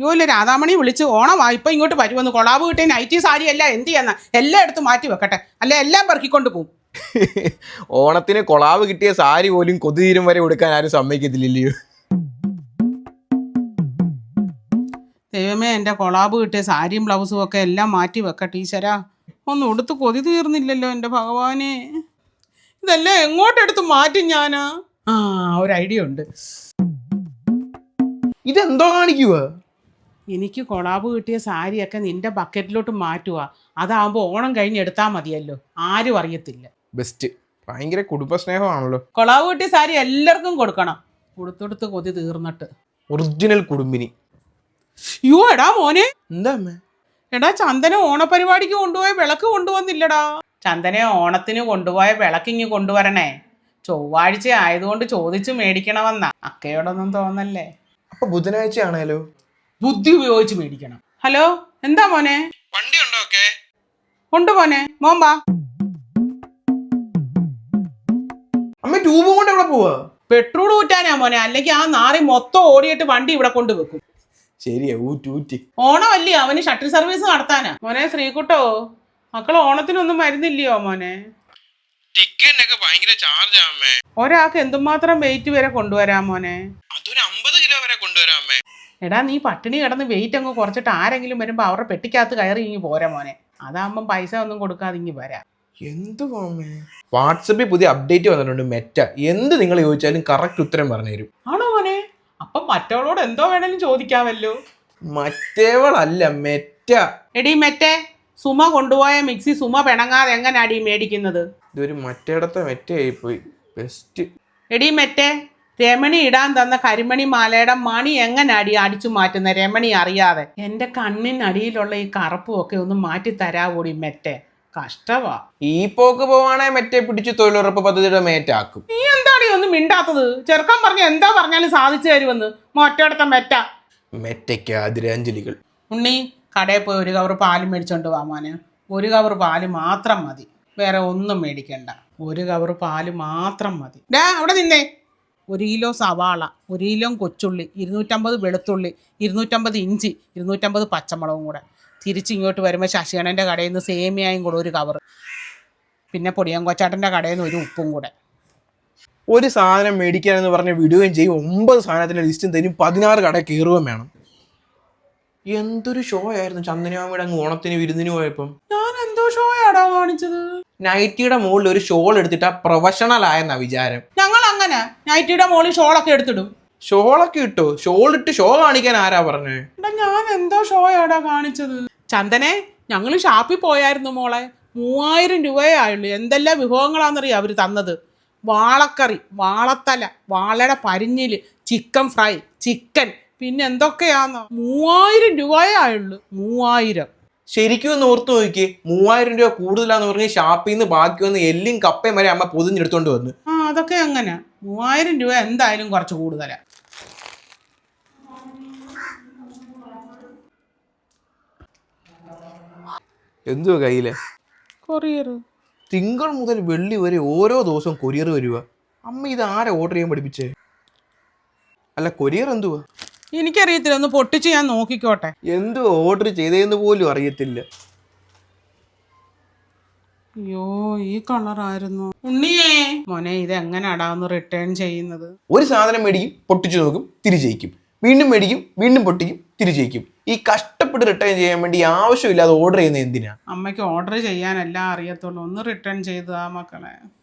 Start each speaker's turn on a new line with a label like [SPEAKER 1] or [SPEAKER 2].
[SPEAKER 1] ഇല്ല രാധാമണി വിളിച്ച് ഓണമാ ഇപ്പം ഇങ്ങോട്ട് വരുമെന്ന് കൊളാബ് കിട്ടിയ നൈറ്റി സാരി എല്ലാം എന്ത് ചെയ്യാന്ന എല്ലാം എടുത്ത് മാറ്റി വെക്കട്ടെ അല്ലെ എല്ലാം പെറുക്കിക്കൊണ്ട് പോകും.
[SPEAKER 2] ഓണത്തിന് കൊളാവ് കിട്ടിയ സാരി പോലും കൊതുതീരം വരെ കൊടുക്കാൻ ആരും സമ്മതിക്കത്തില്ലല്ലോ.
[SPEAKER 1] ദൈവമേ എൻ്റെ കൊളാബ് കിട്ടിയ സാരിയും ബ്ലൗസും ഒക്കെ എല്ലാം മാറ്റി വെക്കട്ടെ ഈശ്വരാ. ഒന്നും ഉടുത്ത് കൊതി തീർന്നില്ലല്ലോ എൻ്റെ ഭഗവാനെ. ഇതെല്ലാം എങ്ങോട്ടെടുത്ത് മാറ്റും ഞാനാ? ഒരു ഐഡിയ ഉണ്ട്.
[SPEAKER 2] ഇതെന്തോ കാണിക്കുക?
[SPEAKER 1] എനിക്ക് കൊളാബ് കിട്ടിയ സാരിയൊക്കെ നിന്റെ ബക്കറ്റിലോട്ട് മാറ്റുക. അതാകുമ്പോൾ ഓണം കഴിഞ്ഞ് എടുത്താൽ മതിയല്ലോ, ആരും അറിയത്തില്ല.
[SPEAKER 2] ബെസ്റ്റ്. ഭയങ്കര കുടുംബസ്നേഹമാണല്ലോ.
[SPEAKER 1] കൊളാബ് കിട്ടിയ സാരി എല്ലാവർക്കും കൊടുക്കണം, കൊടുത്തൊടുത്ത് കൊതി തീർന്നിട്ട്.
[SPEAKER 2] ഒറിജിനൽ കുടുംബിനി.
[SPEAKER 1] എടാ മോനെ.
[SPEAKER 2] എന്താ അമ്മേ?
[SPEAKER 1] എടാ ചന്ദന ഓണപരിപാടിക്ക് കൊണ്ടുപോയ വിളക്ക് കൊണ്ടുവന്നില്ലടാ. ചന്ദന ഓണത്തിന് കൊണ്ടുപോയ വിളക്കിങ്ങ് കൊണ്ടുവരണേ. ചൊവ്വാഴ്ച ആയതുകൊണ്ട് ചോദിച്ചു മേടിക്കണമെന്നാ. അക്കയോടൊന്നും തോന്നല്ലേ.
[SPEAKER 2] അപ്പൊ ബുധനാഴ്ച ആണേലോ?
[SPEAKER 1] ബുദ്ധി ഉപയോഗിച്ച് മേടിക്കണം. ഹലോ, എന്താ മോനെ?
[SPEAKER 2] വണ്ടി ഉണ്ടോ? ഒക്കെ
[SPEAKER 1] ഉണ്ട് മോനെ, മോൻ വാ.
[SPEAKER 2] അമ്മ ട്യൂബും കൊണ്ട് എവിടെ പോവാ?
[SPEAKER 1] പെട്രോൾ ഊറ്റാനാ മോനെ, അല്ലെങ്കിൽ ആ നാറി മൊത്തം ഓടിയിട്ട് വണ്ടി ഇവിടെ കൊണ്ടുവെക്കും.
[SPEAKER 2] ശരിയാ, ഊറ്റി.
[SPEAKER 1] ഓണമല്ലേ, അവന് ഷട്ടിൽ സർവീസ് നടത്താനാ. മോനെ ശ്രീകുട്ടോ, മക്കൾ ഓണത്തിനൊന്നും വരുന്നില്ലയോ മോനെ?
[SPEAKER 2] ടിക്കറ്റിനൊക്കെ ഭയങ്കര ചാർജാ അമ്മേ.
[SPEAKER 1] ഒരാൾക്ക് എന്തുമാത്രം വെയിറ്റ് വരെ കൊണ്ടുവരാം മോനെ?
[SPEAKER 2] അതൊരു 50 കിലോ വരെ കൊണ്ടുവരാം അമ്മേ.
[SPEAKER 1] എടാ നീ പട്ടിണി കിടന്ന് വെയിറ്റ് അങ്ങ് കുറച്ചിട്ട് ആരെങ്കിലും വരുമ്പോൾ അവരുടെ പെട്ടിക്കകത്ത് കയറി ഇങ്ങി പോരാ മോനെ. അതാകുമ്പം പൈസ ഒന്നും കൊടുക്കാതെ ഇങ്ങി വരാം.
[SPEAKER 2] എന്തുവാ വാട്സപ്പിൽ പുതിയ അപ്ഡേറ്റ് വന്നിട്ടുണ്ട് മെറ്റ. എന്ത് നിങ്ങൾ ചോദിച്ചാലും കറക്റ്റ് ഉത്തരം പറഞ്ഞു തരും.
[SPEAKER 1] ആണോ മോനെ? അപ്പം മറ്റവളോട് എന്തോ വേണേലും ചോദിക്കാമല്ലോ.
[SPEAKER 2] മറ്റേവളല്ല, മെറ്റ.
[SPEAKER 1] എടീ മെറ്റേ, സുമ കൊണ്ടുപോയ മിക്സി സുമ പിണങ്ങാതെ എങ്ങനാടി മേടിക്കുന്നത്?
[SPEAKER 2] ഇതൊരു മറ്റേടത്തെ മെറ്റയായി പോയി. ബെസ്റ്റ്.
[SPEAKER 1] എടീ മെറ്റേ, രമണി ഇടാൻ തന്ന കരിമണി മാലയുടെ മണി എങ്ങനാടി അടിച്ചു മാറ്റുന്ന രമണി അറിയാതെ? എൻ്റെ കണ്ണിനടിയിലുള്ള ഈ കറുപ്പും ഒക്കെ ഒന്ന് മാറ്റി തരാവൂടി മെറ്റേ. കഷ്ടവാ.
[SPEAKER 2] ഈ പോക്ക് പോവാണെ മെറ്റെ പിടിച്ച് തൊഴിലുറപ്പ് പദ്ധതിയുടെ മേറ്റാക്കും.
[SPEAKER 1] നീ എന്താടി ഒന്നും മിണ്ടാത്തത്? ചെറുക്കൻ പറഞ്ഞ എന്താ പറഞ്ഞാലും സാധിച്ചു തരുമെന്ന് മറ്റേടത്തെ മെറ്റ.
[SPEAKER 2] മെറ്റയ്ക്ക് ആദരാഞ്ജലികൾ.
[SPEAKER 1] ഉണ്ണി, കടയിൽ പോയി ഒരു കവർ പാല് മേടിച്ചോണ്ട് വാ മോനെ. ഒരു കവർ പാല് മാത്രം മതി, വേറെ ഒന്നും മേടിക്കണ്ട. ഒരു കവർ പാല് മാത്രം മതി. അവിടെ നിന്നേ. 1 കിലോ സവാള, 1 കിലോ കൊച്ചുള്ളി, 250 വെളുത്തുള്ളി, 250 ഇഞ്ചി, 250 പച്ചമുളകും കൂടെ. തിരിച്ചിങ്ങോട്ട് വരുമ്പോൾ ശശികണൻ്റെ കടയിൽ നിന്ന് സേമിയായും കൂടെ 1 കവർ. പിന്നെ പൊടിയം കൊച്ചാട്ടൻ്റെ കടയിൽ നിന്ന് 1 ഉപ്പും കൂടെ.
[SPEAKER 2] ഒരു സാധനം മേടിക്കാനെന്ന് പറഞ്ഞ് വിടുകയും ചെയ്യും. 9 സാധനത്തിൻ്റെ ലിസ്റ്റും തരും. 16 കട കയറുകയും വേണം. എന്തൊരു ഷോ ആയിരുന്നു ചന്ദനമാമിയുടെ അങ്ങ് ഓണത്തിന് വിരുന്നിന് പോയപ്പം.
[SPEAKER 1] ഞാൻ എന്തോ ഷോ ആടാ കാണിച്ചത്?
[SPEAKER 2] നൈറ്റിയുടെ മുകളിൽ ഒരു ഷോൾ എടുത്തിട്ടാ പ്രൊഫഷണൽ ആയെന്നാ വിചാരം.
[SPEAKER 1] ഞങ്ങൾ അങ്ങനെ നൈറ്റിയുടെ മുകളിൽ ഷോളൊക്കെ എടുത്തിടും.
[SPEAKER 2] ഷോളൊക്കെ ഇട്ടോ? ഷോൾ ഇട്ട് ഷോ കാണിക്കാൻ ആരാ പറഞ്ഞേ?
[SPEAKER 1] ഞാൻ എന്തോ ഷോ ആടാ കാണിച്ചത്? ചന്ദനെ, ഞങ്ങൾ ഷാപ്പിൽ പോയായിരുന്നു മോളെ. 3000 രൂപയേ ആയുള്ളൂ. എന്തെല്ലാം വിഭവങ്ങളാണെന്നറിയാം അവർ തന്നത്. വാളക്കറി, വാളത്തല, വാളയുടെ പരിഞ്ഞില്, ചിക്കൻ ഫ്രൈ, ചിക്കൻ, പിന്നെ എന്തൊക്കെയാന്നോ. 3000 രൂപയേ ആയുള്ളൂ. 3000.
[SPEAKER 2] ശരിക്കും ഒന്ന് ഓർത്ത് നോക്കിയേ. 3000 രൂപ കൂടുതലാന്ന് പറഞ്ഞ് ഷാപ്പിൽ നിന്ന് ബാക്കി വന്ന് എല്ലും കപ്പയും വരെ അമ്മ പൊതിഞ്ഞെടുത്തോണ്ട് വന്നു.
[SPEAKER 1] അതൊക്കെ അങ്ങനെ. 3000 രൂപ എന്തായാലും കുറച്ച് കൂടുതലാ.
[SPEAKER 2] എന്തുവാ കയ്യില്?
[SPEAKER 1] കൊറിയർ.
[SPEAKER 2] തിങ്കൾ മുതൽ വെള്ളി വരെ ഓരോ ദിവസവും കൊറിയർ വരുക. അമ്മ ഇത് ആരെ ഓർഡർ ചെയ്യാൻ പഠിപ്പിച്ചേ? അല്ല, കൊറിയർ എന്തുവാ?
[SPEAKER 1] എനിക്കറിയത്തില്ല, ഒന്ന് പൊട്ടിച്ച് ഞാൻ നോക്കിക്കോട്ടെ.
[SPEAKER 2] എന്തുവാ ഓർഡർ ചെയ്തതെന്ന് പോലും അറിയത്തില്ല.
[SPEAKER 1] അയ്യോ, ഈ കളറായിരുന്നു. ഉണ്ണിയേ മോനെ, ഇത് എങ്ങനെയാടാ ഒന്ന് റിട്ടേൺ ചെയ്യുന്നത്?
[SPEAKER 2] ഒരു സാധനം മേടിക്കും, പൊട്ടിച്ചു നോക്കും, തിരിച്ചയക്കും. വീണ്ടും മേടിക്കും, വീണ്ടും പൊട്ടിക്കും, തിരിച്ചയക്കും. ഈ കഷ്ടപ്പെട്ട് റിട്ടേൺ ചെയ്യാൻ വേണ്ടി ആവശ്യമില്ലാതെ ഓർഡർ ചെയ്യുന്നത് എന്തിനാ?
[SPEAKER 1] അമ്മയ്ക്ക് ഓർഡർ ചെയ്യാനെല്ലാം അറിയത്തുള്ളൂ. ഒന്ന് റിട്ടേൺ ചെയ്തതാ മക്കളെ.